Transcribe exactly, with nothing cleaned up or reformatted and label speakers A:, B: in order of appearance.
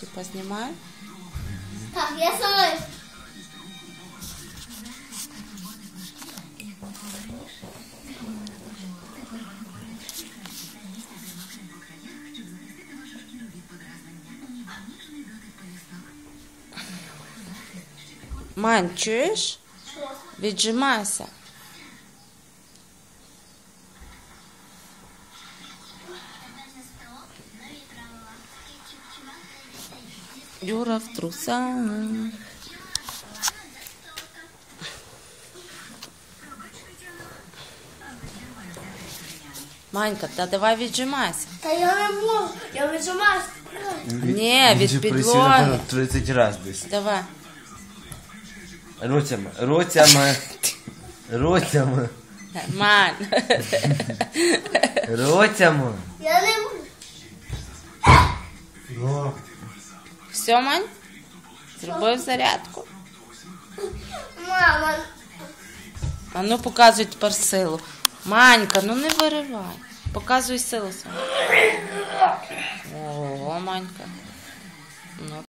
A: Ручки познімай.
B: Так, я сама.
A: Мань, чуєш?
B: Що?
A: Віджимайся. Юра в трусах. Манька, та давай віджимайся.
B: Та я не можу, я віджимаюсь.
A: Ні, від підлоги.
C: тридцять раз десь.
A: Давай.
C: Руцями, руцями, руцями,
A: Мань.
C: руцями.
B: Я не можу.
C: Ну.
A: Все, Мань? Зробив зарядку.
B: Мама.
A: А ну показуй тепер силу. Манька, ну не виривай. Показуй силу свою. О, Манька. Ну.